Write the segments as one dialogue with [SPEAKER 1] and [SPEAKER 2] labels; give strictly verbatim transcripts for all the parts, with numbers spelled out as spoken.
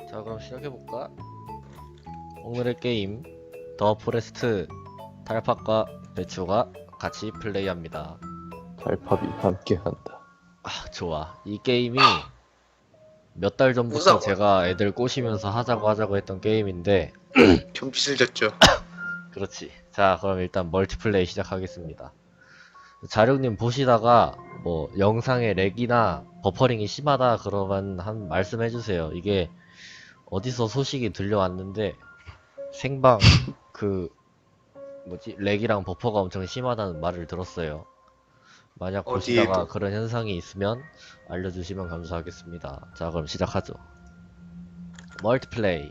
[SPEAKER 1] 자, 그럼 시작해볼까? 오늘의 게임 더 포레스트 탈팝과 배추가 같이 플레이합니다.
[SPEAKER 2] 달팝이 함께한다.
[SPEAKER 1] 아, 좋아. 이 게임이 몇 달 전부터
[SPEAKER 3] 무서워.
[SPEAKER 1] 제가 애들 꼬시면서 하자고 하자고 했던 게임인데
[SPEAKER 3] 좀 비슬졌죠.
[SPEAKER 1] 그렇지. 자, 그럼 일단 멀티플레이 시작하겠습니다. 자룡님 보시다가 뭐 영상의 렉이나 버퍼링이 심하다 그러면 한 말씀해주세요. 이게 어디서 소식이 들려왔는데 생방 그 뭐지 렉이랑 버퍼가 엄청 심하다는 말을 들었어요. 만약 보시다가
[SPEAKER 3] 어디에도?
[SPEAKER 1] 그런 현상이 있으면 알려주시면 감사하겠습니다. 자, 그럼 시작하죠. 멀티플레이.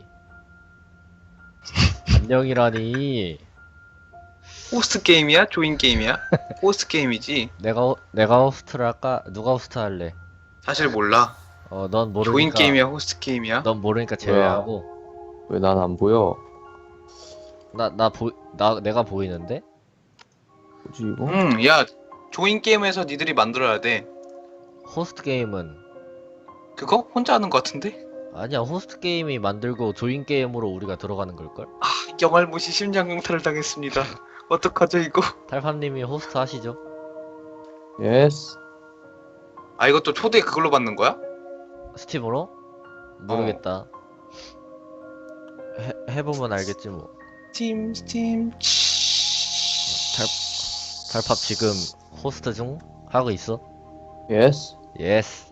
[SPEAKER 1] 안녕이라니.
[SPEAKER 3] 호스트 게임이야? 조인 게임이야? 호스트 게임이지.
[SPEAKER 1] 내가 호- 내가 호스트를 할까? 누가 호스트 할래?
[SPEAKER 3] 사실 몰라.
[SPEAKER 1] 어, 넌 모르니까.
[SPEAKER 3] 조인 게임이야? 호스트 게임이야?
[SPEAKER 1] 넌 모르니까 제외하고.
[SPEAKER 2] 왜 난 안 보여?
[SPEAKER 1] 나 나 보 나 내가 보이는데?
[SPEAKER 2] 뭐지 이거?
[SPEAKER 3] 응, 야, 조인 게임에서 니들이 만들어야 돼.
[SPEAKER 1] 호스트 게임은
[SPEAKER 3] 그거 혼자 하는 거 같은데?
[SPEAKER 1] 아니야. 호스트 게임이 만들고 조인 게임으로 우리가 들어가는 걸걸?
[SPEAKER 3] 아, 영알못이 심장 강탈을 당했습니다. 어떡하죠 이거?
[SPEAKER 1] 탈팝님이 호스트 하시죠?
[SPEAKER 2] 예스.
[SPEAKER 3] 아, 이것도 초대 그걸로 받는 거야?
[SPEAKER 1] 스팀으로? 모르겠다. 해 해보면 알겠지 뭐.
[SPEAKER 3] 스팀, 스팀.
[SPEAKER 1] 탈 탈팝 지금 호스트 중 하고 있어?
[SPEAKER 2] 예스.
[SPEAKER 1] 예스.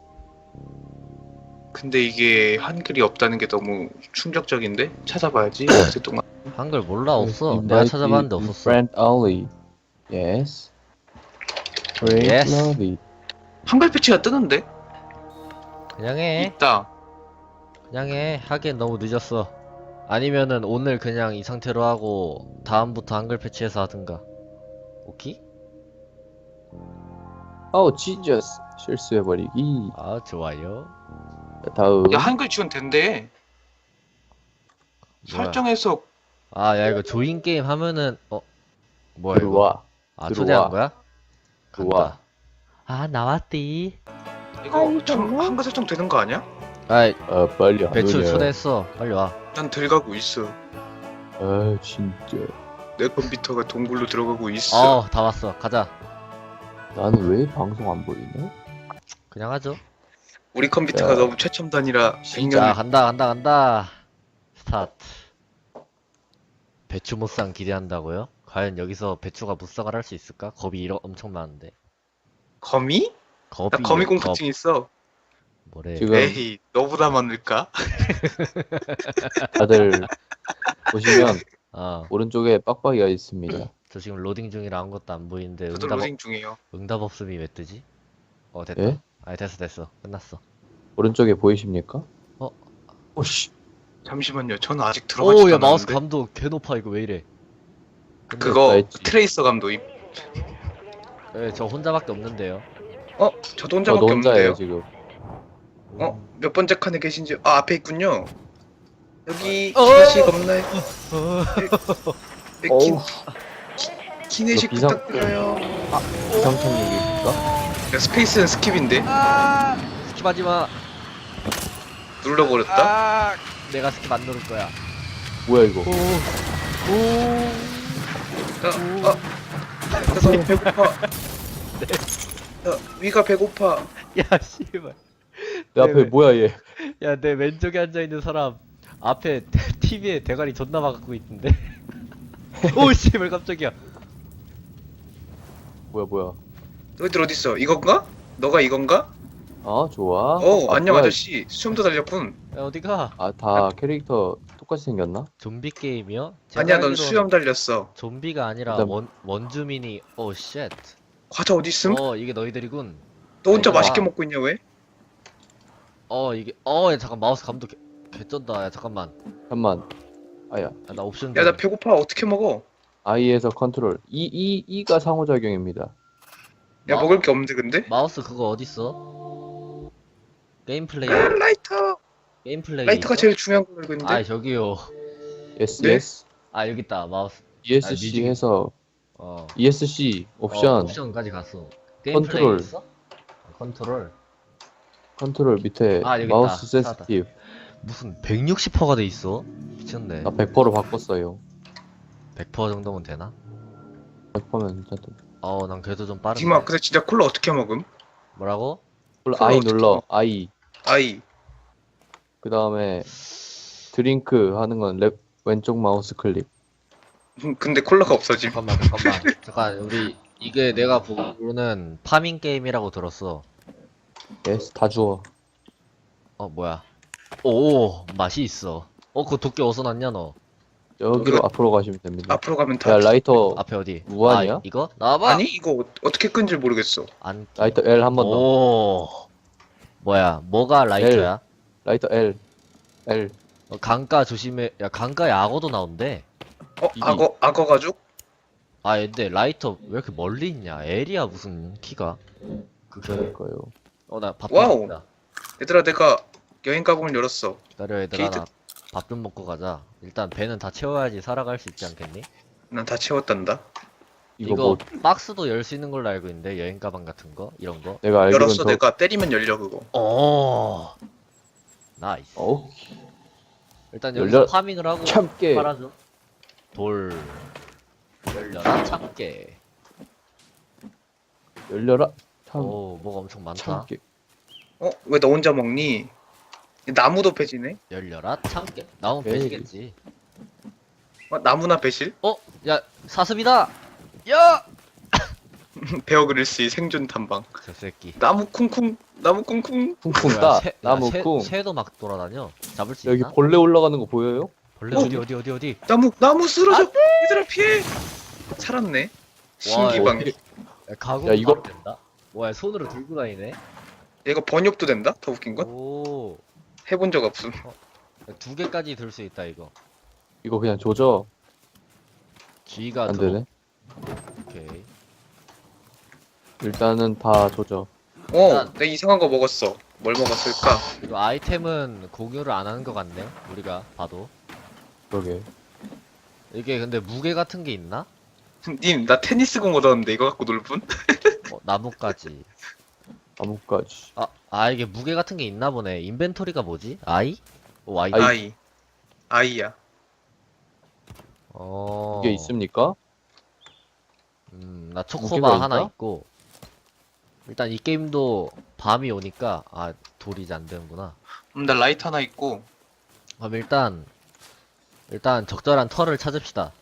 [SPEAKER 3] 근데 이게 한글이 없다는 게 너무 충격적인데? 찾아봐야지. 어제 동안.
[SPEAKER 1] 한글 몰라 없어.
[SPEAKER 2] You
[SPEAKER 1] 내가
[SPEAKER 2] might
[SPEAKER 1] 찾아봤는데
[SPEAKER 2] be
[SPEAKER 1] 없었어.
[SPEAKER 2] Friend only. 예스. Friend
[SPEAKER 1] Yes.
[SPEAKER 2] only.
[SPEAKER 3] 한글 패치가 뜨는데?
[SPEAKER 1] 그냥 해.
[SPEAKER 3] 있다.
[SPEAKER 1] 그냥 해. 하기엔 너무 늦었어. 아니면은 오늘 그냥 이 상태로 하고 다음부터 한글 패치해서 하든가. 오케이?
[SPEAKER 2] 아우 지저스. 실수해버리기.
[SPEAKER 1] 아, 좋아요.
[SPEAKER 2] 자, 다음.
[SPEAKER 3] 야, 한글 지원 된대.
[SPEAKER 1] 뭐야.
[SPEAKER 3] 설정에서
[SPEAKER 1] 아, 야, 이거 조인 게임 하면은 어 뭐야 이거?
[SPEAKER 2] 들어와.
[SPEAKER 1] 아,
[SPEAKER 2] 들어와.
[SPEAKER 1] 초대한 거야?
[SPEAKER 2] 들어와.
[SPEAKER 1] 간다. 아, 나왔디.
[SPEAKER 3] 이거 참 한글 설정 되는 거 아니야?
[SPEAKER 1] 아이,
[SPEAKER 2] 어 빨리 안
[SPEAKER 1] 배추
[SPEAKER 2] 오냐.
[SPEAKER 1] 초대했어. 빨리 와.
[SPEAKER 3] 난 들어가고 있어.
[SPEAKER 2] 아 진짜.
[SPEAKER 3] 내 컴퓨터가 동굴로 들어가고 있어.
[SPEAKER 1] 어, 다 왔어. 가자.
[SPEAKER 2] 나는 왜 방송 안 보이냐?
[SPEAKER 1] 그냥 하죠.
[SPEAKER 3] 우리 컴퓨터가
[SPEAKER 2] 야.
[SPEAKER 3] 너무 최첨단이라
[SPEAKER 1] 자,
[SPEAKER 3] 백 년
[SPEAKER 1] 간다, 간다, 간다. 스타트. 배추 무쌍 기대한다고요? 과연 여기서 배추가 무쌍을 할 수 있을까? 겁이 이러 엄청 많은데.
[SPEAKER 3] 거미?
[SPEAKER 1] 겁이.
[SPEAKER 3] 나 거미
[SPEAKER 1] 겁.
[SPEAKER 3] 공포증 있어.
[SPEAKER 1] 뭐래?
[SPEAKER 2] 지금
[SPEAKER 3] 에이, 너보다 많을까?
[SPEAKER 2] 다들 보시면
[SPEAKER 1] 어,
[SPEAKER 2] 오른쪽에 빡빡이가 있습니다.
[SPEAKER 1] 저 지금 로딩 중이라 아무것도 안 보이는데
[SPEAKER 3] 저도
[SPEAKER 1] 응답,
[SPEAKER 3] 로딩 중이에요.
[SPEAKER 1] 응답 없음이 왜 뜨지? 어, 됐다.
[SPEAKER 2] 예?
[SPEAKER 1] 아니, 됐어, 됐어. 끝났어.
[SPEAKER 2] 오른쪽에 보이십니까?
[SPEAKER 1] 어?
[SPEAKER 2] 오씨.
[SPEAKER 3] 잠시만요. 저는 아직 들어가지도
[SPEAKER 1] 오, 야, 마우스
[SPEAKER 3] 않았는데.
[SPEAKER 1] 감도 개 높아. 이거 왜 이래?
[SPEAKER 3] 그거
[SPEAKER 2] 했지.
[SPEAKER 3] 트레이서 감도임.
[SPEAKER 1] 예, 저 혼자밖에 없는데요.
[SPEAKER 3] 어? 저도
[SPEAKER 2] 저
[SPEAKER 3] 혼자밖에
[SPEAKER 2] 혼자예요
[SPEAKER 3] 없는데요.
[SPEAKER 2] 지금.
[SPEAKER 3] 어? 몇 번째 칸에 계신지 아, 앞에 있군요. 여기
[SPEAKER 1] 어!
[SPEAKER 3] 기내식 없나요?
[SPEAKER 1] 어,
[SPEAKER 3] 네,
[SPEAKER 2] 어우.
[SPEAKER 3] 기, 기내식
[SPEAKER 2] 이거 비상-
[SPEAKER 3] 부탁드려요.
[SPEAKER 2] 비상청력입니까?
[SPEAKER 3] 야, 스페이스는 스킵인데
[SPEAKER 1] 아, 스킵하지 마.
[SPEAKER 3] 눌러버렸다.
[SPEAKER 1] 아, 내가 스킵 안 누를 거야.
[SPEAKER 2] 뭐야 이거?
[SPEAKER 1] 오, 오.
[SPEAKER 3] 어, 어. 나 배고파. 야, 위가 배고파.
[SPEAKER 1] 야, 씨발.
[SPEAKER 2] 내 앞에
[SPEAKER 1] 왜?
[SPEAKER 2] 뭐야 얘?
[SPEAKER 1] 야, 내 왼쪽에 앉아 있는 사람 앞에 티비에 대가리 존나 막고 있던데. 오, 씨발 깜짝이야.
[SPEAKER 2] 뭐야 뭐야?
[SPEAKER 3] 너희들 어딨어? 이건가? 너가 이건가?
[SPEAKER 2] 아 좋아.
[SPEAKER 3] 어,
[SPEAKER 2] 아,
[SPEAKER 3] 안녕
[SPEAKER 2] 뭐야.
[SPEAKER 3] 아저씨. 수염도 달렸군.
[SPEAKER 1] 야, 어디가?
[SPEAKER 2] 아다 캐릭터 똑같이 생겼나?
[SPEAKER 1] 좀비 게임이요?
[SPEAKER 3] 아니야, 넌
[SPEAKER 1] 알기로는
[SPEAKER 3] 수염 달렸어.
[SPEAKER 1] 좀비가 아니라
[SPEAKER 2] 일단-
[SPEAKER 1] 원 원주민이. 오, 쉣.
[SPEAKER 3] 과자 어딨음?
[SPEAKER 1] 어, 이게 너희들이군.
[SPEAKER 3] 너 혼자
[SPEAKER 1] 이거
[SPEAKER 3] 맛있게
[SPEAKER 1] 봐.
[SPEAKER 3] 먹고 있냐 왜?
[SPEAKER 1] 어, 이게 어, 야, 잠깐 마우스 감도 개, 개쩐다. 야, 잠깐만.
[SPEAKER 2] 잠만. 아야.
[SPEAKER 1] 야, 나 옵션
[SPEAKER 3] 야, 나
[SPEAKER 1] 좀.
[SPEAKER 3] 배고파. 어떻게 먹어?
[SPEAKER 2] I에서 컨트롤. E E E가 상호작용입니다.
[SPEAKER 3] 야,
[SPEAKER 1] 마-
[SPEAKER 3] 먹을 게 없는데 근데?
[SPEAKER 1] 마우스 그거 어딨어? 게임 플레이.
[SPEAKER 3] 아, 라이터.
[SPEAKER 1] 게임 플레이.
[SPEAKER 3] 라이터가
[SPEAKER 1] 있어?
[SPEAKER 3] 제일 중요한 걸 알고 있는데.
[SPEAKER 1] 아, 저기요.
[SPEAKER 2] Yes
[SPEAKER 3] 네?
[SPEAKER 2] yes.
[SPEAKER 1] 아, 여기 있다. 마우스.
[SPEAKER 2] ESC
[SPEAKER 1] 뮤직.
[SPEAKER 2] 해서
[SPEAKER 1] 어.
[SPEAKER 2] ESC
[SPEAKER 1] 어,
[SPEAKER 2] 옵션
[SPEAKER 1] 옵션까지 갔어. 게임
[SPEAKER 2] 컨트롤.
[SPEAKER 1] 플레이 있어? 어, 컨트롤.
[SPEAKER 2] 컨트롤 밑에
[SPEAKER 1] 아, 여기
[SPEAKER 2] 마우스
[SPEAKER 1] 있다. 찾았다.
[SPEAKER 2] 센시티브.
[SPEAKER 1] 무슨 백육십 퍼센트가 돼 있어? 미쳤네.
[SPEAKER 2] 나 백 퍼센트로 바꿨어요.
[SPEAKER 1] 백 퍼센트 정도면 되나?
[SPEAKER 2] 백 퍼센트면 진짜 또.
[SPEAKER 1] 어, 난 그래도 좀 빠른데.
[SPEAKER 3] 지금아 근데 진짜 콜라 어떻게 먹음?
[SPEAKER 1] 뭐라고?
[SPEAKER 2] 콜라
[SPEAKER 3] 콜라
[SPEAKER 2] 아이
[SPEAKER 3] 어떻게
[SPEAKER 2] 눌러.
[SPEAKER 3] 먹어?
[SPEAKER 2] 아이.
[SPEAKER 3] 아이.
[SPEAKER 2] 그 다음에 드링크 하는 건 랩, 왼쪽 마우스 클릭.
[SPEAKER 3] 음, 근데 콜라가 없어짐.
[SPEAKER 1] 잠깐만, 잠깐만. 잠깐, 우리 이게 내가 보기로는 파밍 게임이라고 들었어.
[SPEAKER 2] 예스, 다 주워.
[SPEAKER 1] 어, 뭐야? 오, 맛이 있어. 어, 그 도끼 어디서 났냐 너?
[SPEAKER 2] 여기로
[SPEAKER 3] 그-
[SPEAKER 2] 앞으로 가시면 됩니다.
[SPEAKER 3] 앞으로 가면 다.
[SPEAKER 2] 야, 라이터,
[SPEAKER 1] 앞에 어디?
[SPEAKER 2] 무한이야?
[SPEAKER 1] 아, 이거? 나와봐.
[SPEAKER 3] 아니 이거 어- 어떻게 끈지 모르겠어.
[SPEAKER 1] 안.
[SPEAKER 2] 라이터 L 한 번 더.
[SPEAKER 1] 오. 뭐야? 뭐가 라이터야?
[SPEAKER 2] 라이터 L. L.
[SPEAKER 1] 어, 강가 조심해. 야, 강가에 악어도 나온대.
[SPEAKER 3] 어
[SPEAKER 2] 이게-
[SPEAKER 3] 악어 악어 가죽?
[SPEAKER 1] 아, 근데 라이터 왜 이렇게 멀리 있냐? L이야 무슨 키가? 그
[SPEAKER 2] 그러니까요.
[SPEAKER 1] 어, 나 밥
[SPEAKER 3] 와우.
[SPEAKER 1] 좀 먹자.
[SPEAKER 3] 얘들아 내가 여행 가방을 열었어.
[SPEAKER 1] 기다려 얘들아,
[SPEAKER 3] 게이트-
[SPEAKER 1] 나 밥 좀 먹고 가자. 일단 배는 다 채워야지 살아갈 수 있지 않겠니?
[SPEAKER 3] 난 다 채웠단다.
[SPEAKER 2] 이거,
[SPEAKER 1] 이거
[SPEAKER 2] 뭐,
[SPEAKER 1] 박스도 열 수 있는 걸로 알고 있는데 여행 가방 같은 거 이런 거.
[SPEAKER 2] 내가 알기로는
[SPEAKER 3] 열었어.
[SPEAKER 2] 저,
[SPEAKER 3] 내가 때리면 열려 그거.
[SPEAKER 1] 오. 나이스.
[SPEAKER 2] 어우,
[SPEAKER 1] 일단 여기서
[SPEAKER 2] 열려-
[SPEAKER 1] 파밍을 하고
[SPEAKER 2] 참깨.
[SPEAKER 1] 팔아줘. 돌 열려라 참깨.
[SPEAKER 2] 열려라. 참,
[SPEAKER 1] 오, 뭐가 엄청 많다.
[SPEAKER 2] 참깨.
[SPEAKER 3] 어 왜 너 혼자 먹니? 나무도 배지네.
[SPEAKER 1] 열려라 참깨. 나오면
[SPEAKER 2] 에이.
[SPEAKER 1] 배지겠지.
[SPEAKER 3] 어, 나무나 배실?
[SPEAKER 1] 어, 야 사슴이다. 야,
[SPEAKER 3] 베어 그릴스의 생존 탐방.
[SPEAKER 1] 저 새끼.
[SPEAKER 3] 나무 쿵쿵. 나무 쿵쿵.
[SPEAKER 2] 쿵쿵
[SPEAKER 1] 뭐야,
[SPEAKER 2] 따.
[SPEAKER 1] 새- 야,
[SPEAKER 2] 나무
[SPEAKER 1] 새-
[SPEAKER 2] 쿵.
[SPEAKER 1] 새도 막 돌아다녀. 잡을 수
[SPEAKER 2] 여기
[SPEAKER 1] 있나?
[SPEAKER 2] 벌레 올라가는 거 보여요?
[SPEAKER 1] 벌레
[SPEAKER 3] 어?
[SPEAKER 1] 어디 어디 어디 어디?
[SPEAKER 3] 나무 나무 쓰러져. 얘들아 피해. 살았네. 신기방.
[SPEAKER 2] 어떻게-
[SPEAKER 1] 야, 가구
[SPEAKER 2] 야, 이거-
[SPEAKER 1] 바로 된다. 뭐야, 손으로 들고 다니네.
[SPEAKER 3] 얘가 번역도 된다. 더 웃긴 건
[SPEAKER 1] 오,
[SPEAKER 3] 해본 적 없음.
[SPEAKER 1] 두 개까지 들 수 있다 이거.
[SPEAKER 2] 이거 그냥 조져.
[SPEAKER 1] G가
[SPEAKER 2] 안
[SPEAKER 1] 들어.
[SPEAKER 2] 되네.
[SPEAKER 1] 오케이.
[SPEAKER 3] 음.
[SPEAKER 2] 일단은 다 조져.
[SPEAKER 3] 어,
[SPEAKER 1] 난-
[SPEAKER 3] 내가 이상한 거 먹었어. 뭘 먹었을까?
[SPEAKER 1] 이거 아이템은 공유를 안 하는 것 같네. 우리가 봐도.
[SPEAKER 2] 그러게.
[SPEAKER 1] 이게 근데 무게 같은 게 있나?
[SPEAKER 3] 님, 나 테니스공 얻었는데 이거 갖고 놀 분?
[SPEAKER 1] 어, 나뭇가지.
[SPEAKER 2] 나뭇가지.
[SPEAKER 1] 아, 아 이게 무게 같은 게 있나 보네. 인벤토리가 뭐지? I? 오, I.
[SPEAKER 2] 아이.
[SPEAKER 3] 아이. 아이야.
[SPEAKER 1] 어.
[SPEAKER 2] 이게 있습니까?
[SPEAKER 1] 음, 나
[SPEAKER 2] 무게가
[SPEAKER 1] 초코바 하나
[SPEAKER 2] 있나?
[SPEAKER 1] 있고. 일단 이 게임도 밤이 오니까 아, 돌이 이제 안 되는구나.
[SPEAKER 3] 음, 나 라이트 하나 있고.
[SPEAKER 1] 그럼 일단 일단 적절한 털을 찾읍시다.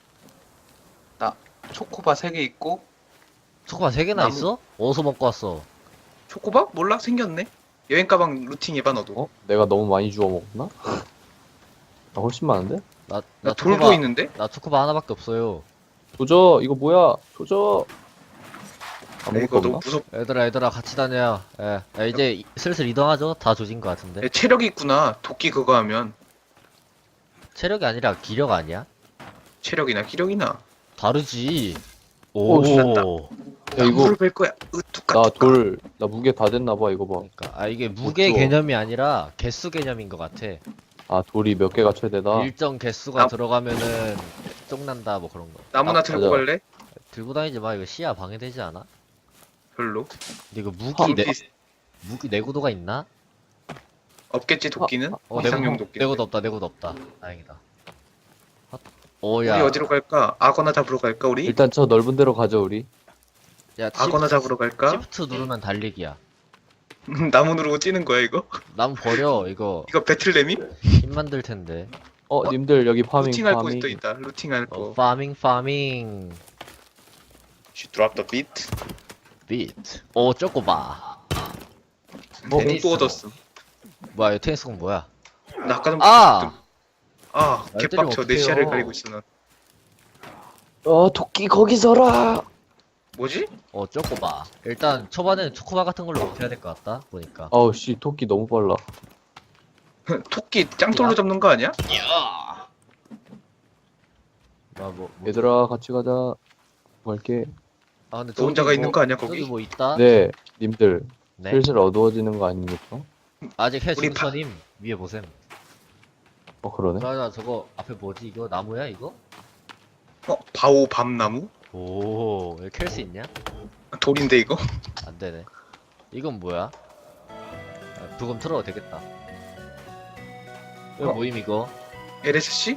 [SPEAKER 3] 초코바 세 개 있고.
[SPEAKER 1] 초코바 세 개나
[SPEAKER 3] 나무-
[SPEAKER 1] 있어? 어디서 먹고 왔어?
[SPEAKER 3] 초코바? 몰라? 생겼네. 여행 가방 루팅 해봐 너도.
[SPEAKER 2] 어? 내가 너무 많이 주워 먹었나? 나 훨씬 많은데?
[SPEAKER 1] 나,
[SPEAKER 3] 나
[SPEAKER 1] 나
[SPEAKER 3] 돌도
[SPEAKER 1] 초코바,
[SPEAKER 3] 있는데?
[SPEAKER 1] 나 초코바 하나밖에 없어요.
[SPEAKER 2] 조져. 이거 뭐야? 조져.
[SPEAKER 3] 야,
[SPEAKER 2] 아무것도
[SPEAKER 3] 이거 너무
[SPEAKER 2] 없나?
[SPEAKER 3] 무섭.
[SPEAKER 1] 얘들아, 얘들아, 같이 다녀. 예. 야, 이제 이- 슬슬 이동하죠? 다 조진 것 같은데.
[SPEAKER 3] 야, 체력이 있구나. 도끼 그거 하면
[SPEAKER 1] 체력이 아니라 기력 아니야?
[SPEAKER 3] 체력이나 기력이나.
[SPEAKER 1] 다르지.
[SPEAKER 2] 오,
[SPEAKER 1] 오.
[SPEAKER 3] 신났다.
[SPEAKER 2] 야, 이거
[SPEAKER 3] 나무를 뺄 거야. 으, 뚜까.
[SPEAKER 2] 나
[SPEAKER 3] 뚜까.
[SPEAKER 2] 돌, 나 무게 다 됐나봐. 이거 봐.
[SPEAKER 1] 그러니까 아 이게 무게
[SPEAKER 2] 주워.
[SPEAKER 1] 개념이 아니라 개수 개념인 것 같아.
[SPEAKER 2] 아, 돌이 몇 개가 최대다.
[SPEAKER 1] 일정 개수가
[SPEAKER 3] 나-
[SPEAKER 1] 들어가면은 쫑난다 뭐 그런 거.
[SPEAKER 3] 나무나
[SPEAKER 2] 아,
[SPEAKER 3] 들고
[SPEAKER 2] 맞아.
[SPEAKER 3] 갈래?
[SPEAKER 1] 들고 다니지 마. 이거 시야 방해되지 않아?
[SPEAKER 3] 별로.
[SPEAKER 1] 근데 이거 무기
[SPEAKER 3] 돌
[SPEAKER 1] 내
[SPEAKER 3] 비슷-
[SPEAKER 1] 무기 내구도가 있나?
[SPEAKER 3] 없겠지 도끼는?
[SPEAKER 1] 어
[SPEAKER 3] 이상용
[SPEAKER 1] 내구도
[SPEAKER 3] 도끼.
[SPEAKER 1] 내구도 없다. 내구도 없다. 다행이다. 헛.
[SPEAKER 3] 우리
[SPEAKER 1] 오야.
[SPEAKER 3] 어디로 갈까? 악어나 잡으러 갈까 우리?
[SPEAKER 2] 일단 저 넓은 데로 가죠, 우리.
[SPEAKER 1] 야
[SPEAKER 3] 악어나 잡으러 갈까?
[SPEAKER 1] 시프트 누르면 달리기야.
[SPEAKER 3] 나무 누르고 찌는 거야 이거?
[SPEAKER 1] 남 버려 이거
[SPEAKER 3] 이거 배틀레미?
[SPEAKER 1] 힘 만들 텐데.
[SPEAKER 2] 어, 님들 여기 파밍,
[SPEAKER 3] 루팅할 거
[SPEAKER 2] 파밍.
[SPEAKER 3] 또 있다. 루팅할
[SPEAKER 1] 어,
[SPEAKER 3] 거.
[SPEAKER 1] 파밍 파밍
[SPEAKER 3] She dropped the beat.
[SPEAKER 1] 비트. 오 쪼꼬바.
[SPEAKER 3] 공
[SPEAKER 1] 테니스.
[SPEAKER 3] 또 얻었어.
[SPEAKER 1] 뭐야 이 테니스공 뭐야?
[SPEAKER 3] 나 아까 좀
[SPEAKER 1] 아!
[SPEAKER 3] 아
[SPEAKER 1] 날
[SPEAKER 3] 개빡쳐.
[SPEAKER 1] 때리면
[SPEAKER 3] 내 시야를
[SPEAKER 1] 어떡해요.
[SPEAKER 3] 가리고 있어 난.
[SPEAKER 2] 어, 토끼 거기 서라.
[SPEAKER 3] 뭐지?
[SPEAKER 1] 어 쪼꼬바. 일단 초반에는 초코바 같은 걸로 버텨야 될 것 같다 보니까.
[SPEAKER 2] 어우, 씨, 토끼 너무 빨라.
[SPEAKER 3] 토끼 짱돌로 잡는 거 아니야?
[SPEAKER 1] 뭐, 뭐, 뭐.
[SPEAKER 2] 얘들아, 같이 가자. 갈게.
[SPEAKER 1] 아 근데
[SPEAKER 3] 너 혼자가
[SPEAKER 1] 저기
[SPEAKER 3] 있는
[SPEAKER 1] 뭐-
[SPEAKER 3] 거 아니야,
[SPEAKER 1] 저기
[SPEAKER 3] 거기?
[SPEAKER 1] 뭐 있다?
[SPEAKER 2] 네, 님들.
[SPEAKER 1] 네.
[SPEAKER 2] 슬슬 어두워지는 거 아닙니까?
[SPEAKER 1] 아직 해
[SPEAKER 3] 우리 파-
[SPEAKER 1] 중서님 위에 보셈.
[SPEAKER 2] 어, 그러네.
[SPEAKER 1] 자자 저거 앞에 뭐지 이거 나무야 이거?
[SPEAKER 3] 어 바오 밤나무?
[SPEAKER 1] 오 여기 캘 수 있냐?
[SPEAKER 3] 돌인데 이거?
[SPEAKER 1] 안 되네. 이건 뭐야? 아, 부금 틀어도 되겠다. 왜
[SPEAKER 3] 어?
[SPEAKER 1] 모임 이거?
[SPEAKER 3] 엘에스씨?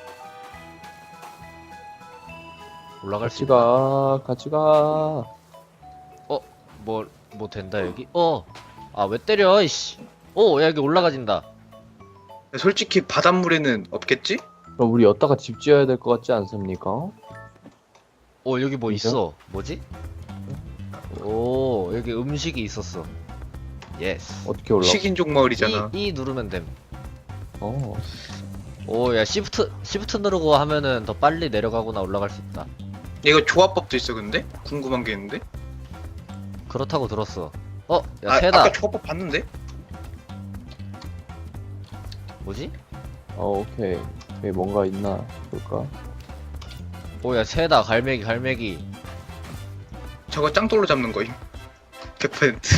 [SPEAKER 1] 올라갈 수
[SPEAKER 2] 같이
[SPEAKER 1] 있나?
[SPEAKER 2] 가, 같이 가.
[SPEAKER 1] 뭐, 뭐 된다 여기? 어! 아 왜 때려 이씨. 오! 야 여기 올라가진다.
[SPEAKER 3] 솔직히 바닷물에는 없겠지?
[SPEAKER 2] 그럼 우리 여기다가 집 지어야 될 것 같지 않습니까?
[SPEAKER 1] 오 여기 뭐
[SPEAKER 2] 진짜?
[SPEAKER 1] 있어. 뭐지? 오 여기 음식이 있었어. 예스.
[SPEAKER 2] 어떻게 올라가?
[SPEAKER 3] 식인종 마을이잖아.
[SPEAKER 1] 이, 이 누르면 됨.
[SPEAKER 2] 어.
[SPEAKER 1] 오 야 시프트 시프트 누르고 하면은 더 빨리 내려가거나 올라갈 수 있다.
[SPEAKER 3] 이거 조합법도 있어 근데? 궁금한 게 있는데?
[SPEAKER 1] 그렇다고 들었어. 어? 야
[SPEAKER 3] 아,
[SPEAKER 1] 새다.
[SPEAKER 3] 아까 조합법 봤는데?
[SPEAKER 1] 뭐지?
[SPEAKER 2] 어, 오케이. 오케이, 뭔가 있나 볼까?
[SPEAKER 1] 오 야 새다. 갈매기 갈매기.
[SPEAKER 3] 저거 짱돌로 잡는 거임. 백 퍼센트.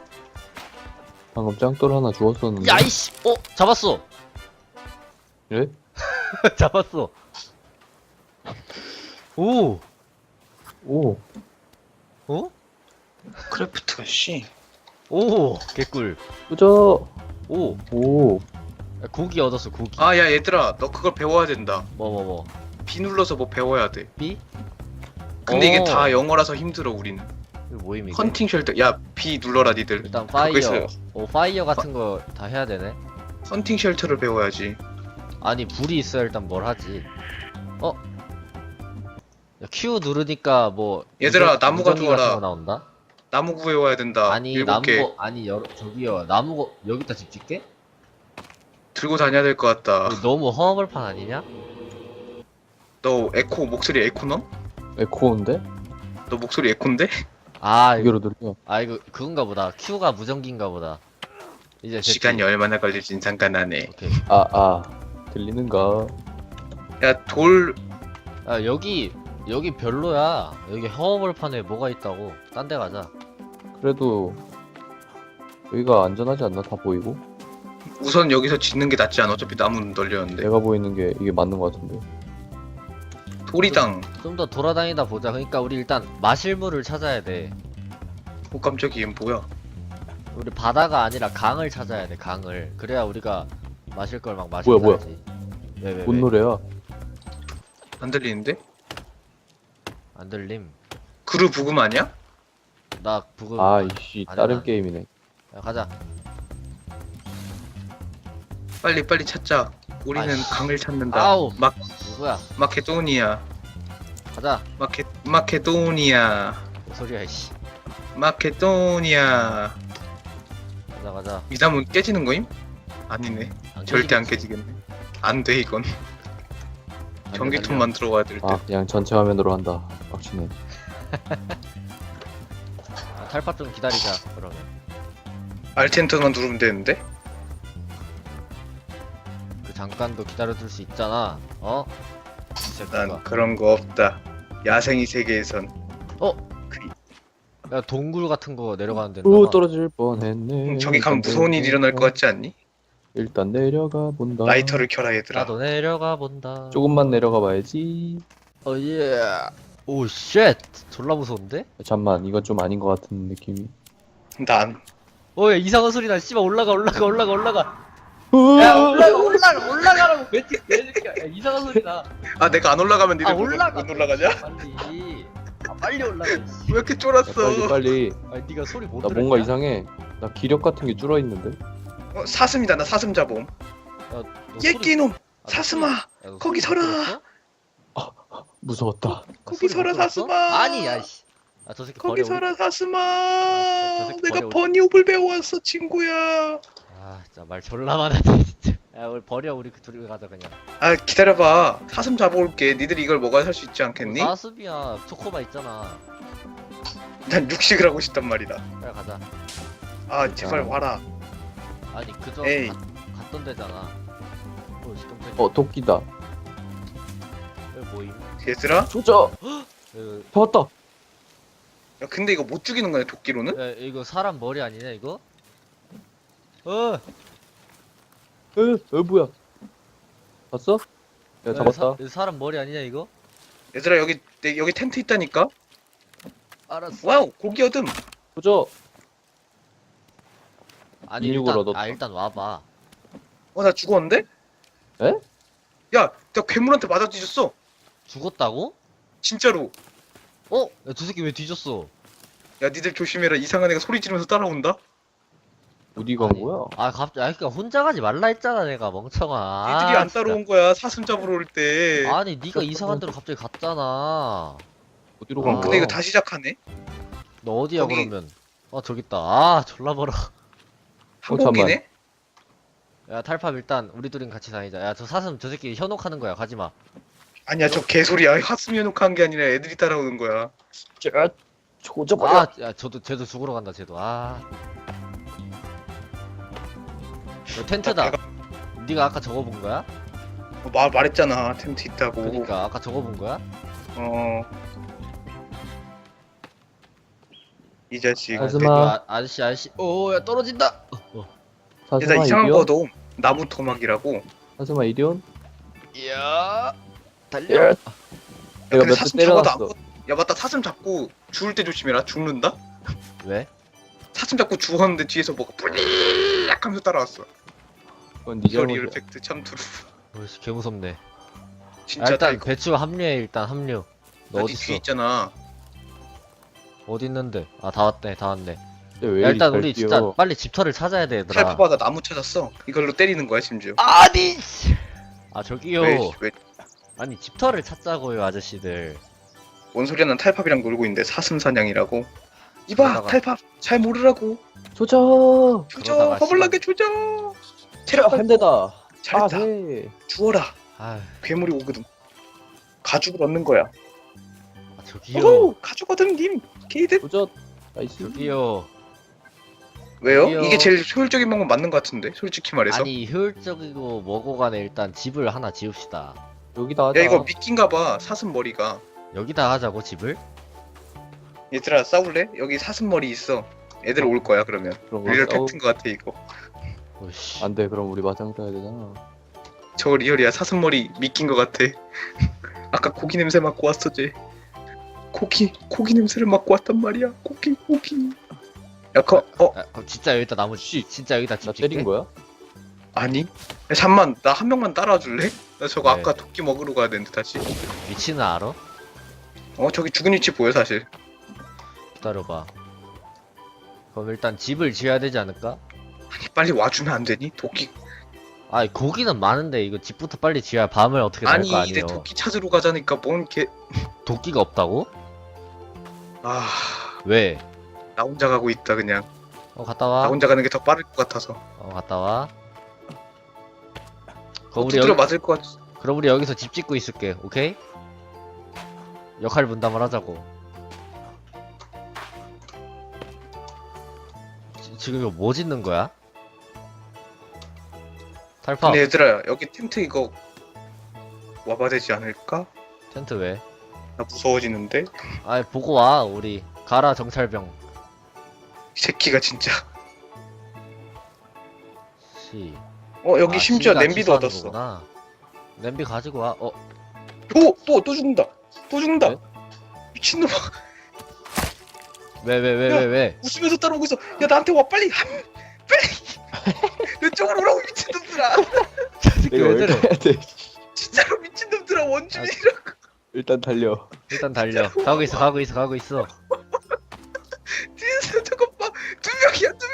[SPEAKER 2] 방금 짱돌 하나 주웠었는데.
[SPEAKER 1] 야 이씨. 어? 잡았어.
[SPEAKER 2] 그래?
[SPEAKER 1] 잡았어. 오.
[SPEAKER 2] 오.
[SPEAKER 1] 어?
[SPEAKER 3] 크래프트가 씨.
[SPEAKER 1] 오. 개꿀.
[SPEAKER 2] 꾸져.
[SPEAKER 1] 오.
[SPEAKER 2] 오.
[SPEAKER 1] 야, 고기 얻었어 고기.
[SPEAKER 3] 아 야 얘들아 너 그걸 배워야 된다.
[SPEAKER 1] 뭐 뭐 뭐.
[SPEAKER 3] B 눌러서 뭐 배워야 돼.
[SPEAKER 1] B?
[SPEAKER 3] 근데 이게
[SPEAKER 1] 어.
[SPEAKER 3] 다 영어라서 힘들어 우리는.
[SPEAKER 1] 이거 뭐임 이게?
[SPEAKER 3] 헌팅 쉘터. 야 B 눌러라 니들.
[SPEAKER 1] 일단
[SPEAKER 3] 그거 있어요.
[SPEAKER 1] 파이어. 오 파이어 같은 거 다 해야 되네.
[SPEAKER 3] 헌팅 쉘터를 배워야지.
[SPEAKER 1] 아니 불이 있어야 일단 뭘 하지. 어? 야, Q 누르니까 뭐
[SPEAKER 3] 얘들아,
[SPEAKER 1] 무전-
[SPEAKER 3] 나무가
[SPEAKER 1] 무전기 같은
[SPEAKER 3] 주워라.
[SPEAKER 1] 거 나온다?
[SPEAKER 3] 나무 구해와야 된다.
[SPEAKER 1] 아니
[SPEAKER 3] 일곱 개
[SPEAKER 1] 나무 아니 여러 저기요 나무 여기다 집 짓게?
[SPEAKER 3] 들고 다녀야 될 것 같다.
[SPEAKER 1] 이거 너무 허허벌판 아니냐?
[SPEAKER 3] 너 에코 목소리 에코너?
[SPEAKER 2] 에코인데?
[SPEAKER 3] 너 목소리 에코인데?
[SPEAKER 1] 아 이거
[SPEAKER 2] 이거로 누르면.
[SPEAKER 1] 아 이거 그건가 보다. Q가 무전기인가 보다. 이제 됐지.
[SPEAKER 3] 시간이 얼마나 걸릴진 상관하네.
[SPEAKER 1] 오케이.
[SPEAKER 2] 아, 아. 들리는가?
[SPEAKER 3] 야 돌
[SPEAKER 1] 아 여기 여기 별로야. 여기 허허벌판에 뭐가 있다고. 딴 데 가자.
[SPEAKER 2] 그래도 여기가 안전하지 않나? 다 보이고?
[SPEAKER 3] 우선 여기서 짓는 게 낫지 않아? 어차피 나무는 널렸는데.
[SPEAKER 2] 내가 보이는 게 이게 맞는 것 같은데.
[SPEAKER 3] 돌이당.
[SPEAKER 1] 좀 더 돌아다니다 보자. 그러니까 우리 일단 마실 물을 찾아야 돼.
[SPEAKER 3] 오 깜짝이야 뭐야?
[SPEAKER 1] 우리 바다가 아니라 강을 찾아야 돼. 강을. 그래야 우리가 마실 걸 막 마시고
[SPEAKER 2] 뭐야, 뭐야?
[SPEAKER 1] 살지. 왜, 왜,
[SPEAKER 2] 뭔
[SPEAKER 1] 왜?
[SPEAKER 2] 노래야?
[SPEAKER 3] 안 들리는데?
[SPEAKER 1] 안 들림.
[SPEAKER 3] 그루 부금 아니야?
[SPEAKER 1] 나 부금.
[SPEAKER 2] 아, 이씨.
[SPEAKER 1] 아니야,
[SPEAKER 2] 다른
[SPEAKER 1] 나-
[SPEAKER 2] 게임이네.
[SPEAKER 1] 야, 가자.
[SPEAKER 3] 빨리 빨리 찾자. 우리는
[SPEAKER 1] 아이씨.
[SPEAKER 3] 강을 찾는다.
[SPEAKER 1] 아우.
[SPEAKER 3] 막
[SPEAKER 1] 누구야?
[SPEAKER 3] 마케도니아.
[SPEAKER 1] 가자.
[SPEAKER 3] 마케 마케도니아.
[SPEAKER 1] 뭔 소리야 이씨.
[SPEAKER 3] 마케도니아.
[SPEAKER 1] 가자 가자.
[SPEAKER 3] 이 나무 깨지는 거임? 아니네.
[SPEAKER 1] 안
[SPEAKER 3] 절대 안
[SPEAKER 1] 깨지겠지.
[SPEAKER 3] 깨지겠네. 안 돼 이건.
[SPEAKER 1] 안 돼,
[SPEAKER 3] 전기톱만 들어가야 될 듯.
[SPEAKER 2] 아, 그냥 전체 화면으로 한다. 빡치네.
[SPEAKER 1] 아, 탈파 좀 기다리자. 그러면.
[SPEAKER 3] 알텐터만 누르면 되는데?
[SPEAKER 1] 그 잠깐도 기다려줄 수 있잖아. 어? 이 새끼가.
[SPEAKER 3] 난 그런 거 없다. 야생이 세계에선.
[SPEAKER 1] 야 동굴 같은 거 내려가는 데인가
[SPEAKER 2] 오,
[SPEAKER 1] 봐.
[SPEAKER 2] 떨어질 뻔했네.
[SPEAKER 3] 음, 저기 가면
[SPEAKER 2] 일단
[SPEAKER 3] 무서운 일이 일어날 것
[SPEAKER 2] 내려가-
[SPEAKER 3] 같지 않니?
[SPEAKER 2] 일단 내려가 본다.
[SPEAKER 3] 라이터를 켜라 얘들아.
[SPEAKER 1] 나도 내려가 본다.
[SPEAKER 2] 조금만 내려가 봐야지.
[SPEAKER 1] 어 예. 오 쉣. 졸라 무서운데?
[SPEAKER 2] 잠만, 이건 좀 아닌 것 같은 느낌이.
[SPEAKER 3] 난
[SPEAKER 1] 어야 이상한 소리 나. 씨발 올라가 올라가 올라가 올라가. 야 올라가 올라가 올라가라고. 매직 매직야. 야 이상한 소리 나.
[SPEAKER 3] 아 내가 안 올라가면 니들
[SPEAKER 1] 아
[SPEAKER 3] 못-
[SPEAKER 1] 올라가.
[SPEAKER 3] 못 올라가냐?
[SPEAKER 1] 빨리. 아 빨리 올라가. 씨.
[SPEAKER 3] 왜 이렇게
[SPEAKER 2] 야,
[SPEAKER 3] 쫄았어?
[SPEAKER 2] 빨리 빨리.
[SPEAKER 1] 아니 네가 소리 못
[SPEAKER 2] 나
[SPEAKER 1] 들었냐?
[SPEAKER 2] 뭔가 이상해. 나 기력 같은 게 줄어 있는데.
[SPEAKER 3] 어, 사슴이다. 나 사슴 잡음.
[SPEAKER 1] 야, 너
[SPEAKER 3] 예끼놈
[SPEAKER 1] 아, 너
[SPEAKER 3] 사슴아.
[SPEAKER 1] 소리- 야, 너
[SPEAKER 3] 거기
[SPEAKER 1] 소리 못
[SPEAKER 3] 서라.
[SPEAKER 1] 들었어?
[SPEAKER 2] 무서웠다.
[SPEAKER 1] 너
[SPEAKER 3] 거기
[SPEAKER 1] 소리 못
[SPEAKER 3] 서라,
[SPEAKER 1] 들었어?
[SPEAKER 3] 사슴아.
[SPEAKER 1] 아니 야씨. 아 저 새끼
[SPEAKER 3] 거기
[SPEAKER 1] 버려.
[SPEAKER 3] 서라 사슴아.
[SPEAKER 1] 아, 저 새끼
[SPEAKER 3] 내가
[SPEAKER 1] 버려, 우리.
[SPEAKER 3] 버니옵을 배워왔어 친구야.
[SPEAKER 1] 아 진짜 말 졸라 많았네 진짜. 야 우리 버려. 우리 그 둘이 가자 그냥.
[SPEAKER 3] 아 기다려봐. 사슴 잡아올게. 니들이 이걸 먹어야 살 수 있지 않겠니?
[SPEAKER 1] 사슴이야. 초코바 있잖아.
[SPEAKER 3] 난 육식을 하고 싶단 말이다.
[SPEAKER 1] 빨리 가자.
[SPEAKER 3] 아 제발
[SPEAKER 2] 아.
[SPEAKER 3] 와라.
[SPEAKER 1] 아니 그저
[SPEAKER 3] 에이.
[SPEAKER 1] 갔- 갔던 데잖아. 어 깜짝이야.
[SPEAKER 2] 어, 도끼다.
[SPEAKER 1] 여기 뭐임?
[SPEAKER 3] 얘들아.
[SPEAKER 2] 조져.
[SPEAKER 1] 여기-
[SPEAKER 2] 잡았다.
[SPEAKER 3] 야, 근데 이거 못 죽이는 거네 도끼로는?
[SPEAKER 1] 야 이거 사람 머리 아니냐 이거? 어.
[SPEAKER 2] 에, 에 뭐야? 봤어? 야,
[SPEAKER 1] 야,
[SPEAKER 2] 잡았다.
[SPEAKER 1] 사, 이거 사람 머리 아니냐 이거?
[SPEAKER 3] 얘들아 여기 내, 여기 텐트 있다니까.
[SPEAKER 1] 알았어.
[SPEAKER 3] 와우 고기 얻음.
[SPEAKER 2] 조져.
[SPEAKER 1] 아니
[SPEAKER 2] 인육을
[SPEAKER 1] 일단
[SPEAKER 2] 얻었다.
[SPEAKER 1] 아 일단 와봐.
[SPEAKER 3] 어 나 죽었는데?
[SPEAKER 2] 에?
[SPEAKER 3] 야, 나 괴물한테 맞아 뒤졌어.
[SPEAKER 1] 죽었다고?
[SPEAKER 3] 진짜로.
[SPEAKER 1] 어? 야, 저 새끼 왜 뒤졌어?
[SPEAKER 3] 야, 니들 조심해라. 이상한 애가 소리 지르면서 따라온다.
[SPEAKER 2] 어디 간
[SPEAKER 1] 아니,
[SPEAKER 2] 거야?
[SPEAKER 1] 아 갑자기 아 그니까 혼자 가지 말라 했잖아 내가 멍청아.
[SPEAKER 3] 니들이
[SPEAKER 1] 아,
[SPEAKER 3] 안
[SPEAKER 1] 진짜.
[SPEAKER 3] 따라온 거야. 사슴 잡으러 올 때.
[SPEAKER 1] 아니 네가 이상한 데로 갑자기 갔잖아.
[SPEAKER 2] 어디로
[SPEAKER 1] 아.
[SPEAKER 2] 간
[SPEAKER 3] 근데
[SPEAKER 2] 거야?
[SPEAKER 3] 이거 다시 시작하네.
[SPEAKER 1] 너 어디야
[SPEAKER 3] 거기-
[SPEAKER 1] 그러면? 어 저기 있다. 아 졸라 멀어.
[SPEAKER 3] 한국이네.
[SPEAKER 1] 야 탈팝 일단 우리 둘은 같이 다니자. 야 저 사슴 저 새끼 현혹하는 거야. 가지 마.
[SPEAKER 3] 아니야, 저 개소리야. 하스미 놓고한 게 아니라 애들이 따라오는 거야.
[SPEAKER 2] 쟤 조져버려.
[SPEAKER 1] 아, 야 저도 쟤도 죽으러 간다. 쟤도. 아. 야, 텐트다.
[SPEAKER 3] 내가-
[SPEAKER 1] 네가 아까 저거 본 거야?
[SPEAKER 3] 어, 말 말했잖아. 텐트 있다고.
[SPEAKER 1] 그러니까 아까 저거 본 거야?
[SPEAKER 3] 어. 이 자식.
[SPEAKER 2] 사슴아.
[SPEAKER 1] 그 아, 아저씨 아저씨. 오야 떨어진다. 어, 어.
[SPEAKER 3] 얘나
[SPEAKER 2] 사슴아
[SPEAKER 3] 이상한
[SPEAKER 2] 이리온.
[SPEAKER 3] 거도 나무 토막이라고.
[SPEAKER 2] 사슴아 이리온.
[SPEAKER 1] 이야. 달려.
[SPEAKER 2] 야,
[SPEAKER 3] 야,
[SPEAKER 2] 내가
[SPEAKER 3] 근데
[SPEAKER 2] 몇 대
[SPEAKER 3] 사슴 잡아도 안
[SPEAKER 2] 때려놨어.
[SPEAKER 3] 거- 야, 맞다. 사슴 잡고 죽을 때 조심해라. 죽는다.
[SPEAKER 1] 왜?
[SPEAKER 3] 사슴 잡고 죽었는데 뒤에서 뭐가 뿌리악 하면서 따라왔어.
[SPEAKER 2] 그건 네
[SPEAKER 3] 리얼
[SPEAKER 2] 잘못이야.
[SPEAKER 3] 이펙트 참투루.
[SPEAKER 1] 어이씨 개 무섭네. 야,
[SPEAKER 3] 진짜
[SPEAKER 1] 일단
[SPEAKER 3] 이거.
[SPEAKER 1] 배추 합류해 일단 합류. 너
[SPEAKER 3] 어디
[SPEAKER 1] 어디
[SPEAKER 3] 뒤에
[SPEAKER 1] 있어?
[SPEAKER 3] 있잖아.
[SPEAKER 1] 어디 있는데? 아 다 왔네 다 왔네.
[SPEAKER 2] 근데 왜
[SPEAKER 1] 야,
[SPEAKER 2] 이리
[SPEAKER 1] 일단
[SPEAKER 2] 잘
[SPEAKER 1] 우리
[SPEAKER 2] 뛰어?
[SPEAKER 1] 진짜 빨리 집터를 찾아야 돼 얘들아.
[SPEAKER 3] 탈파바다 나무 찾았어. 이걸로 때리는 거야 심지어.
[SPEAKER 1] 아니. 아 저기요.
[SPEAKER 3] 왜, 왜,
[SPEAKER 1] 아니 집터를 찾자고요 아저씨들.
[SPEAKER 3] 뭔 소리야? 난 탈팝이랑 놀고 있는데 사슴 사냥이라고. 이봐,
[SPEAKER 1] 그러다가-
[SPEAKER 3] 탈팝 잘 모르라고.
[SPEAKER 2] 조져.
[SPEAKER 3] 조져,
[SPEAKER 1] 그러다가
[SPEAKER 3] 허벌나게 조져. 체력
[SPEAKER 2] 한 대다. 아,
[SPEAKER 3] 잘했다.
[SPEAKER 2] 네.
[SPEAKER 3] 주워라.
[SPEAKER 1] 아,
[SPEAKER 3] 괴물이 오거든. 가죽을 얻는 거야.
[SPEAKER 1] 아 저기요.
[SPEAKER 3] 오, 가죽 얻은 님. 게이드.
[SPEAKER 2] 조져. 나이스.
[SPEAKER 1] 저기요.
[SPEAKER 3] 왜요?
[SPEAKER 1] 저기요.
[SPEAKER 3] 이게 제일 효율적인 방법 맞는 것 같은데. 솔직히 말해서.
[SPEAKER 1] 아니 효율적이고 뭐고 간에 일단 집을 하나 지읍시다.
[SPEAKER 2] 여기다 하자.
[SPEAKER 3] 야, 이거 미끼인가 봐. 사슴 머리가.
[SPEAKER 1] 여기다 하자고 집을?
[SPEAKER 3] 얘들아, 싸울래? 여기 사슴 머리 있어. 애들 올 거야 그러면.
[SPEAKER 2] 그런 거
[SPEAKER 3] 리얼
[SPEAKER 2] 싸우...
[SPEAKER 3] 팩트인 것 같아 이거.
[SPEAKER 1] 오씨.
[SPEAKER 2] 안돼. 그럼 우리 마장 떠야 되잖아.
[SPEAKER 3] 저거 리얼이야. 사슴 머리 미끼인 것 같아. 아까 고기 냄새 맡고 왔어 쟤. 고기 고기 냄새를 맡고 왔단 말이야. 고기 고기. 야, 거, 어
[SPEAKER 1] 아, 그럼 진짜 여기다 나무 씨 진짜 여기다 집
[SPEAKER 2] 나
[SPEAKER 1] 짓게?
[SPEAKER 2] 때린 거야?
[SPEAKER 3] 아니? 야, 잠만 나 한 명만 따라와 줄래? 나 저거
[SPEAKER 1] 네.
[SPEAKER 3] 아까 도끼 먹으러 가야 되는데 다시.
[SPEAKER 1] 위치는 알아?
[SPEAKER 3] 어 저기 죽은 위치 보여 사실.
[SPEAKER 1] 기다려봐. 그럼 일단 집을 지어야 되지 않을까?
[SPEAKER 3] 아니 빨리 와주면 안 되니? 도끼.
[SPEAKER 1] 아니 고기는 많은데 이거 집부터 빨리 지어야 밤을 어떻게 날
[SPEAKER 3] 아니
[SPEAKER 1] 거
[SPEAKER 3] 내
[SPEAKER 1] 아니에요.
[SPEAKER 3] 도끼 찾으러 가자니까 뭔 개.
[SPEAKER 1] 도끼가 없다고?
[SPEAKER 3] 아.
[SPEAKER 1] 왜?
[SPEAKER 3] 나 혼자 가고 있다 그냥.
[SPEAKER 1] 어 갔다
[SPEAKER 3] 나
[SPEAKER 1] 와.
[SPEAKER 3] 혼자 가는 게 더 빠를 것 같아서.
[SPEAKER 1] 어 갔다 와.
[SPEAKER 3] 어,
[SPEAKER 1] 그럼 우리
[SPEAKER 3] 두드려
[SPEAKER 1] 여기,
[SPEAKER 3] 맞을 것 같아.
[SPEAKER 1] 그럼 우리 여기서 집 짓고 있을게. 오케이? 역할 분담을 하자고. 지, 지금 이거 뭐 짓는 거야? 탈파.
[SPEAKER 3] 근데 얘들아 여기 텐트 이거 와봐 되지 않을까?
[SPEAKER 1] 텐트 왜?
[SPEAKER 3] 나 무서워지는데?
[SPEAKER 1] 아이 보고 와 우리. 가라 정찰병.
[SPEAKER 3] 이 새끼가 진짜.
[SPEAKER 1] 씨.
[SPEAKER 3] 어 여기
[SPEAKER 1] 아,
[SPEAKER 3] 심지어
[SPEAKER 1] 씨가
[SPEAKER 3] 냄비도
[SPEAKER 1] 취소하는
[SPEAKER 3] 얻었어.
[SPEAKER 1] 거구나. 냄비 가지고 와. 어.
[SPEAKER 3] 오! 또! 또 죽는다! 또 죽는다!
[SPEAKER 2] 네?
[SPEAKER 3] 미친놈아
[SPEAKER 1] 왜 왜 왜 왜 왜?
[SPEAKER 3] 웃으면서 따라오고 있어. 야 나한테 와 빨리! 한, 빨리! 내 쪽으로 오라고 미친놈들아!
[SPEAKER 1] 저 새끼
[SPEAKER 2] 내가
[SPEAKER 1] 왜
[SPEAKER 2] 왜
[SPEAKER 1] 저래?
[SPEAKER 2] 가야 돼?
[SPEAKER 3] 진짜로 미친놈들아 원주민이라고.
[SPEAKER 2] 일단 달려.
[SPEAKER 1] 일단 달려. 가고 있어 가고 있어 가고 있어.
[SPEAKER 3] 뒤에서 저거 봐! 두 명이야 두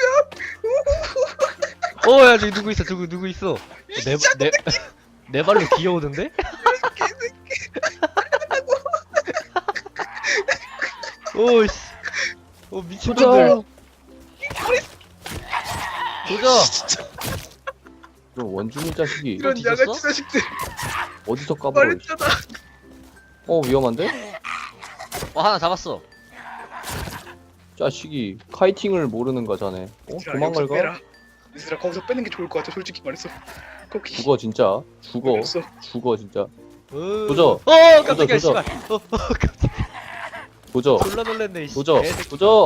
[SPEAKER 3] 명!
[SPEAKER 1] 어야 저기 누구 있어 저기 누구 있어. 내내 내 발로 기어오는데? 오씨. 어 미친놈들. 도저.
[SPEAKER 3] 진짜
[SPEAKER 2] 저 원주민 자식이
[SPEAKER 3] 이런
[SPEAKER 1] 뒤졌어?
[SPEAKER 3] 양아치 자식들
[SPEAKER 2] 어디서 까불어?
[SPEAKER 3] 말했잖아.
[SPEAKER 2] 어 위험한데?
[SPEAKER 1] 어 하나 잡았어.
[SPEAKER 2] 자식이 카이팅을 모르는 거잖아. 어?
[SPEAKER 3] 얘들아,
[SPEAKER 2] 도망갈
[SPEAKER 3] 여기서
[SPEAKER 2] 가?
[SPEAKER 3] 빼라. 얘들아 거기서 빼는 게 좋을 것 같아 솔직히 말해서. 거기
[SPEAKER 2] 죽어 진짜. 죽어.
[SPEAKER 3] 어렸어.
[SPEAKER 2] 죽어 진짜.
[SPEAKER 1] 도저.
[SPEAKER 2] 도저.
[SPEAKER 1] 어 깜짝이야
[SPEAKER 2] 도저,
[SPEAKER 1] 씨발. 어, 어 깜짝이야.
[SPEAKER 2] 도저.
[SPEAKER 1] 졸라 놀랬네. 씨.
[SPEAKER 2] 도저.
[SPEAKER 1] 개새끼.
[SPEAKER 2] 도저.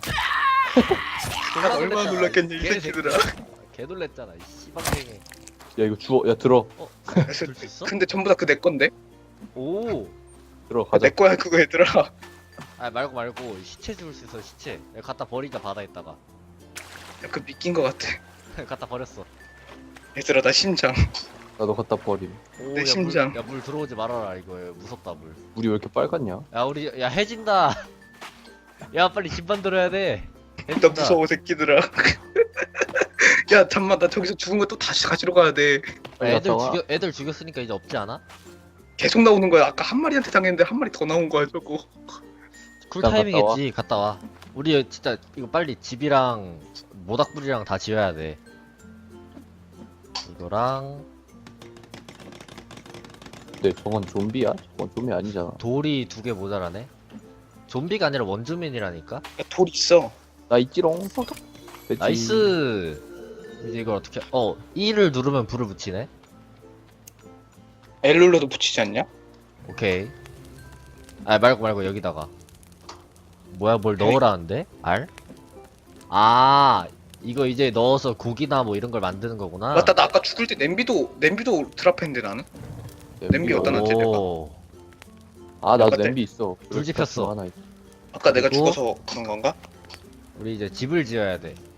[SPEAKER 1] 졸라
[SPEAKER 3] 얼마나
[SPEAKER 1] 놀랬잖아,
[SPEAKER 3] 놀랐겠냐 이
[SPEAKER 1] 개새끼.
[SPEAKER 3] 새끼들아.
[SPEAKER 1] 개 놀랬잖아 이 씨방댕이.
[SPEAKER 2] 야 이거 주워. 야 들어.
[SPEAKER 1] 줄 수 있어?
[SPEAKER 3] 근데 전부 다 그 내 건데?
[SPEAKER 1] 오.
[SPEAKER 2] 들어 가자.
[SPEAKER 3] 내 거야 그거 얘들아.
[SPEAKER 1] 아 말고 말고 시체 줄 수 있어 시체. 내가 갖다 버리자 바다에다가.
[SPEAKER 3] 야, 그 미낀 것 같아.
[SPEAKER 1] 갖다 버렸어.
[SPEAKER 3] 얘들아 나 심장.
[SPEAKER 2] 나도 갖다 버림.
[SPEAKER 1] 오,
[SPEAKER 3] 내
[SPEAKER 1] 야,
[SPEAKER 3] 심장.
[SPEAKER 1] 물, 야, 물 들어오지 말아라, 이거. 무섭다, 물.
[SPEAKER 2] 물이 왜 이렇게 빨갛냐?
[SPEAKER 1] 야, 우리, 야, 해진다. 야, 빨리 집 만들어야 돼.
[SPEAKER 3] 나
[SPEAKER 1] 해진다.
[SPEAKER 3] 무서워 새끼들아. 야 잠만 나 저기서 죽은 거 또 다시 가지러 가야 돼.
[SPEAKER 1] 야,
[SPEAKER 2] 빨리
[SPEAKER 1] 애들
[SPEAKER 2] 갔다 와.
[SPEAKER 1] 죽여, 애들 죽였으니까 이제 없지 않아?
[SPEAKER 3] 계속 나오는 거야. 아까 한 마리한테 당했는데 한 마리 더 나온 거야 저거.
[SPEAKER 1] 쿨
[SPEAKER 2] 일단
[SPEAKER 1] 타이밍했지. 갔다 와. 우리 진짜 이거 빨리 집이랑 모닥불이랑 다 지어야 돼. 이거랑
[SPEAKER 2] 근데 저건 좀비야? 저건 좀비 아니잖아.
[SPEAKER 1] 돌이 두 개 모자라네. 좀비가 아니라 원주민이라니까.
[SPEAKER 3] 야, 돌 있어.
[SPEAKER 2] 나 있지롱. 됐지.
[SPEAKER 1] 나이스. 이제 이걸 어떻게? 어, E를 누르면 불을 붙이네.
[SPEAKER 3] L 눌러도 붙이지 않냐?
[SPEAKER 1] 오케이. 아 말고 말고 여기다가. 뭐야 뭘 넣으라는데? 알? 아 이거 이제 넣어서 국이나 뭐 이런 걸 만드는 거구나.
[SPEAKER 3] 맞다 나 아까 죽을 때 냄비도 냄비도 드랍했는데 나는. 냄비 어디다 놨지,
[SPEAKER 1] 오.
[SPEAKER 2] 아 나도
[SPEAKER 3] 어때?
[SPEAKER 2] 냄비 있어.
[SPEAKER 1] 불 지폈어.
[SPEAKER 2] 하나 있어.
[SPEAKER 3] 아까 내가
[SPEAKER 1] 그리고-
[SPEAKER 3] 죽어서 그런 건가?
[SPEAKER 1] 우리 이제 집을 지어야 돼.